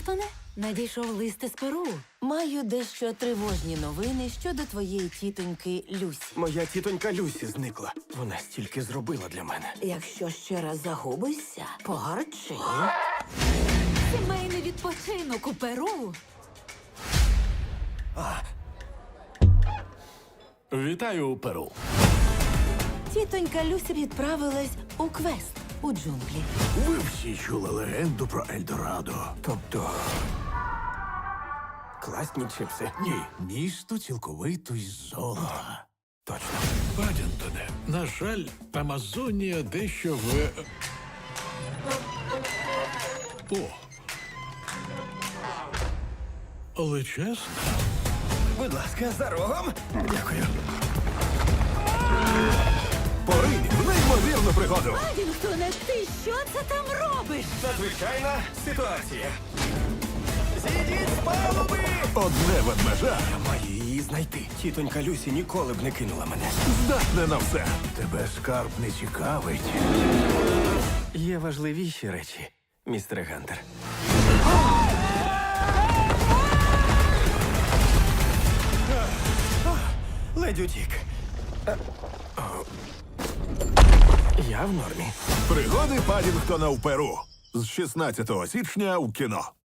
Падінгтоне, надійшов лист із Перу. Маю дещо тривожні новини щодо твоєї тітоньки Люсі. Моя тітонька Люсі зникла. Вона стільки зробила для мене. Якщо ще раз загубишся, погарчи. Сімейний відпочинок у Перу. Вітаю, Перу. Тітонька Люсі відправилась у квест у джунглі. Ви всі чули легенду про Ельдорадо? Тобто. Класні чипси. Ні, місто цілковито із золота. Точно. Падінтоне, на жаль, Амазонія дещо в... О. Але чесно, Будь ласка, за рогом. Дякую. поринь в неймовірну пригоду. Падінгтоне, ти що це там робиш? Надзвичайна ситуація. Зійдіть з палуби! Одне ведмежа Я маю її знайти. Тітонька Люсі ніколи б не кинула мене. здатне на все. Тебе скарб не цікавить. Є важливіші речі, містере Гантер. Ледь утік. Я в нормі. Пригоди Падінгтона в Перу. З 16 січня у кіно.